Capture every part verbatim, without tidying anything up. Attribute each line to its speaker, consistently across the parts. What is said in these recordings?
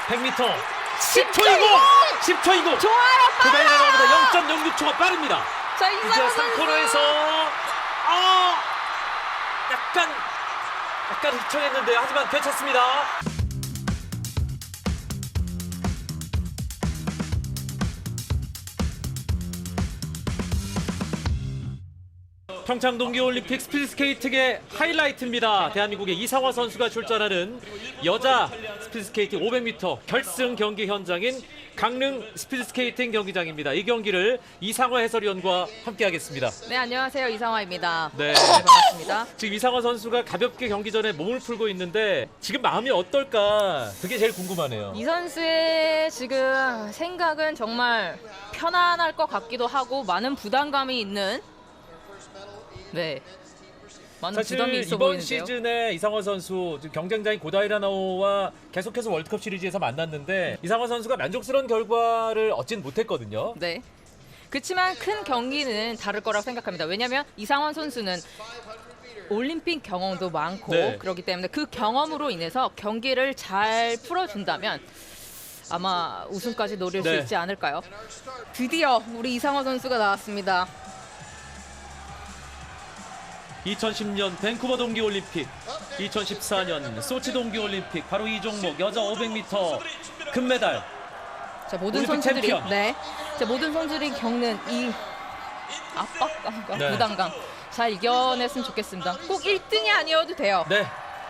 Speaker 1: 백 미터 십 초 이고! 십 초 이고!
Speaker 2: 좋아요,
Speaker 1: 그다음에
Speaker 2: 빨라요.
Speaker 1: 나보다 영 점 영육 초가 빠릅니다.
Speaker 2: 자,
Speaker 1: 이제
Speaker 2: 이상호
Speaker 1: 삼
Speaker 2: 선수.
Speaker 1: 코너에서 아 약간 약간 휘청했는데 하지만 괜찮습니다. 평창 동계올림픽 스피드스케이트의 하이라이트입니다. 대한민국의 이상화 선수가 출전하는 여자 스피드스케이팅 오백 미터 결승 경기 현장인 강릉 스피드스케이팅 경기장입니다. 이 경기를 이상화 해설위원과 함께하겠습니다.
Speaker 2: 네, 안녕하세요. 이상화입니다.
Speaker 1: 네.
Speaker 2: 반갑습니다.
Speaker 1: 지금 이상화 선수가 가볍게 경기 전에 몸을 풀고 있는데 지금 마음이 어떨까? 그게 제일 궁금하네요.
Speaker 2: 이 선수의 지금 생각은 정말 편안할 것 같기도 하고 많은 부담감이 있는 네. 많은
Speaker 1: 사실
Speaker 2: 부담이 있어
Speaker 1: 이번
Speaker 2: 보이는데요.
Speaker 1: 시즌에 이상화 선수 지금 경쟁자인 고다이라나오와 계속해서 월드컵 시리즈에서 만났는데 이상화 선수가 만족스러운 결과를 얻진 못했거든요.
Speaker 2: 네. 그렇지만 큰 경기는 다를 거라고 생각합니다. 왜냐하면 이상원 선수는 올림픽 경험도 많고
Speaker 1: 네.
Speaker 2: 그렇기 때문에 그 경험으로 인해서 경기를 잘 풀어준다면 아마 우승까지 노릴
Speaker 1: 네.
Speaker 2: 수 있지 않을까요? 드디어 우리 이상원 선수가 나왔습니다.
Speaker 1: 이천십 년 밴쿠버 동계올림픽, 이천십사 년 소치 동계올림픽 바로 이 종목 여자 오백 미터 금메달.
Speaker 2: 자, 모든
Speaker 1: 올림픽
Speaker 2: 선수들이
Speaker 1: 챔피언.
Speaker 2: 네, 자, 모든 선수들이 겪는 이 압박감과
Speaker 1: 네.
Speaker 2: 부담감 잘 이겨냈으면 좋겠습니다. 꼭 일 등이 아니어도 돼요.
Speaker 1: 네.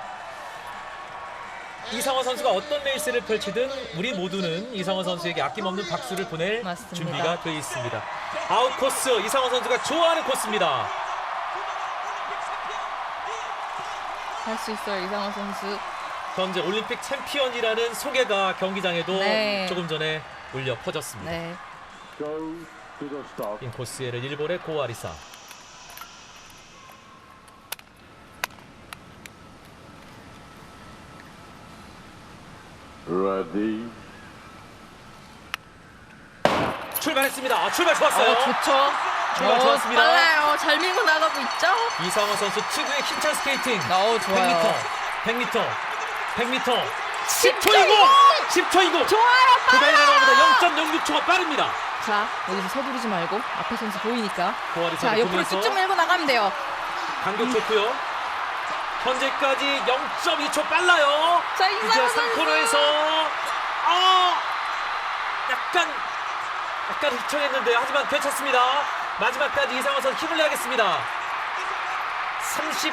Speaker 1: 이상화 선수가 어떤 레이스를 펼치든 우리 모두는 이상화 선수에게 아낌없는 박수를 보낼
Speaker 2: 맞습니다.
Speaker 1: 준비가 되어 있습니다. 아웃 코스 이상화 선수가 좋아하는 코스입니다.
Speaker 2: 할 수 있어요, 이상원 선수.
Speaker 1: 현재 올림픽 챔피언이라는 소개가 경기장에도
Speaker 2: 네.
Speaker 1: 조금 전에 울려 퍼졌습니다.
Speaker 2: 네.
Speaker 1: 인코스에를 일본의 고아리사.
Speaker 3: Ready.
Speaker 1: 출발했습니다. 아, 출발 좋았어요.
Speaker 2: 어, 좋죠.
Speaker 1: 출발
Speaker 2: 어,
Speaker 1: 좋았습니다.
Speaker 2: 빨라요. 잘 밀고 나가고 있죠.
Speaker 1: 이상화 선수 특유의 힘찬 스케이팅.
Speaker 2: 어, 좋아요.
Speaker 1: 백 미터, 백 미터,
Speaker 2: 십
Speaker 1: 십 초 이고! 십 초 이고!
Speaker 2: 좋아요,
Speaker 1: 그다음에
Speaker 2: 빨라요.
Speaker 1: 나보다 영 점 영육 초가 빠릅니다.
Speaker 2: 자, 여기서 서두르지 말고 앞에 선수 보이니까.
Speaker 1: 고아리사
Speaker 2: 자, 옆으로
Speaker 1: 보면서
Speaker 2: 쭉쭉 밀고 나가면 돼요.
Speaker 1: 간격 좋고요. 현재까지 영 점 이 초 빨라요.
Speaker 2: 자,
Speaker 1: 이제
Speaker 2: 이상원
Speaker 1: 삼
Speaker 2: 선수.
Speaker 1: 코너에서 아 약간 약간 휘청했는데 하지만 괜찮습니다. 마지막까지 이상화 선수 힘을 내야겠습니다. 삼십,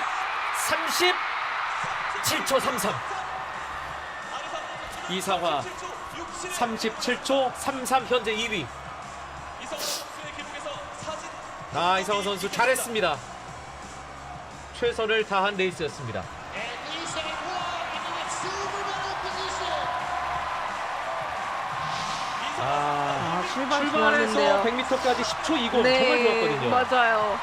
Speaker 1: 삼십칠 초 삼십삼. 이상화 삼십칠 초 삼십삼 현재 이 위. 아, 이상화 선수 잘했습니다. 최선을 다한 레이스였습니다. 아,
Speaker 2: 아, 출발
Speaker 1: 출발해서
Speaker 2: 좋았는데요.
Speaker 1: 백 미터까지 십 초 이고
Speaker 2: 네,
Speaker 1: 정말 좋았거든요.
Speaker 2: 맞아요.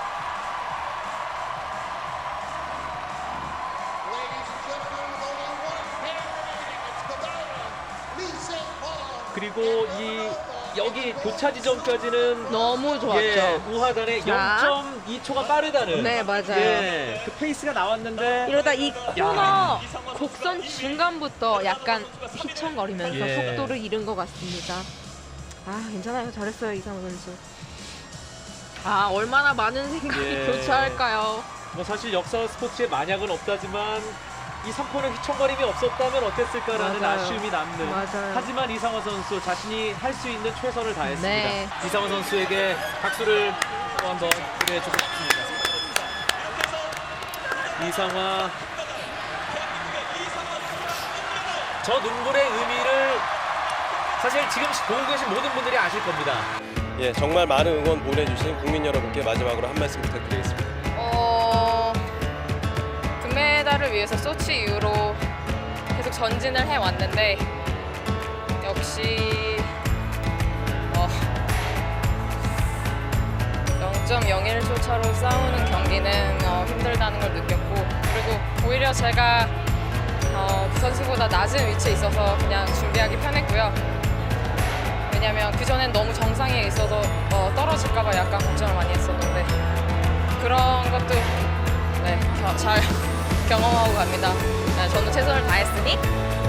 Speaker 1: 그리고 이 여기 교차 지점까지는
Speaker 2: 너무 좋았죠.
Speaker 1: 예, 우하단에
Speaker 2: 자.
Speaker 1: 영 점 이 초가 빠르다는
Speaker 2: 네, 맞아요.
Speaker 1: 예, 그 페이스가 나왔는데
Speaker 2: 이러다 이 코너 곡선 중간부터 약간 휘청거리면서
Speaker 1: 예.
Speaker 2: 속도를 잃은 것 같습니다. 아, 괜찮아요. 잘했어요, 이상호 선수. 아, 얼마나 많은 생각이
Speaker 1: 예.
Speaker 2: 교차할까요?
Speaker 1: 뭐 사실 역사 스포츠에 만약은 없다지만 이 삼 코너 휘청거림이 없었다면 어땠을까라는
Speaker 2: 맞아요.
Speaker 1: 아쉬움이 남는.
Speaker 2: 맞아요.
Speaker 1: 하지만 이상화 선수 자신이 할 수 있는 최선을 다했습니다.
Speaker 2: 네.
Speaker 1: 이상화 선수에게 박수를 또 한번 보내주고 싶습니다. 이상화, 저 눈물의 의미를 사실 지금 보고 계신 모든 분들이 아실 겁니다.
Speaker 4: 예, 정말 많은 응원 보내주신 국민 여러분께 마지막으로 한 말씀 부탁드리겠습니다.
Speaker 5: 어, 금메달을 위해서 소치 이후로 계속 전진을 해왔는데 역시 어, 영 점 영일 초 차로 싸우는 경기는 어, 힘들다는 걸 느꼈고, 그리고 오히려 제가 어, 그 선수보다 낮은 위치에 있어서 그냥 준비하기 편했고요. 왜냐면 그전엔 너무 정상에 있어서 어, 떨어질까봐 약간 걱정을 많이 했었는데 그런 것도 네, 겨- 잘 경험하고 갑니다. 네, 저는 최선을 다했으니